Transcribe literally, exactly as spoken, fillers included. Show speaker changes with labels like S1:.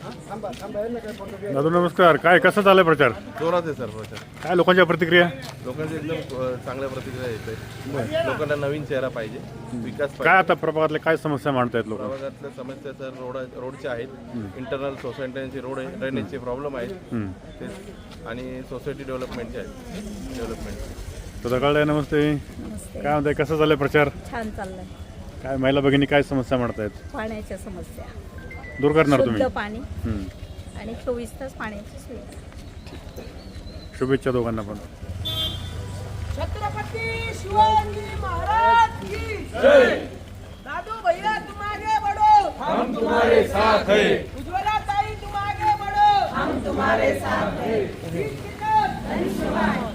S1: दादू नमस्कार. काय कसा चाललाय प्रचार?
S2: जोरात आहे सर प्रचार.
S1: काय लोकांच्या प्रतिक्रिया?
S2: लोकांची एकदम अ, चांगल्या प्रतिक्रिया येते. लोकांना नवीन चेहरा पाहिजे, विकास
S1: काय
S2: पाहिजे.
S1: आता प्रभागातल्या काय समस्या मांडतायत लोक?
S2: प्रभागातल्या समस्या सर रोड रोडच्या आहेत, इंटरनल सोसायट्यांची रोड आहे, ड्रेनेजचे प्रॉब्लेम आहेत ते, आणि सोसायटी डेव्हलपमेंटचे आहेत डेव्हलपमेंट.
S1: तुझा कळलाय. नमस्ते. काय म्हणताय, कसं चाललंय प्रचार?
S3: छान चाललंय.
S1: काय महिला भगिनी काय समस्या मांडतायत?
S3: पाण्याच्या समस्या
S1: दूर करणार तुम्ही?
S3: शुद्ध पाणी
S1: हम्म.
S3: आणि चोवीस तास पाण्याची सुविधा.
S1: शुभेच्छा दोघांना पण.
S4: छत्रपति शिवाजी महाराज की जय। दादू भैया तुम आगे बढ़ो, हम तुम्हारे साथ हैं। उज्ज्वला ताई तुम आगे बढ़ो, हम तुम्हारे साथ हैं।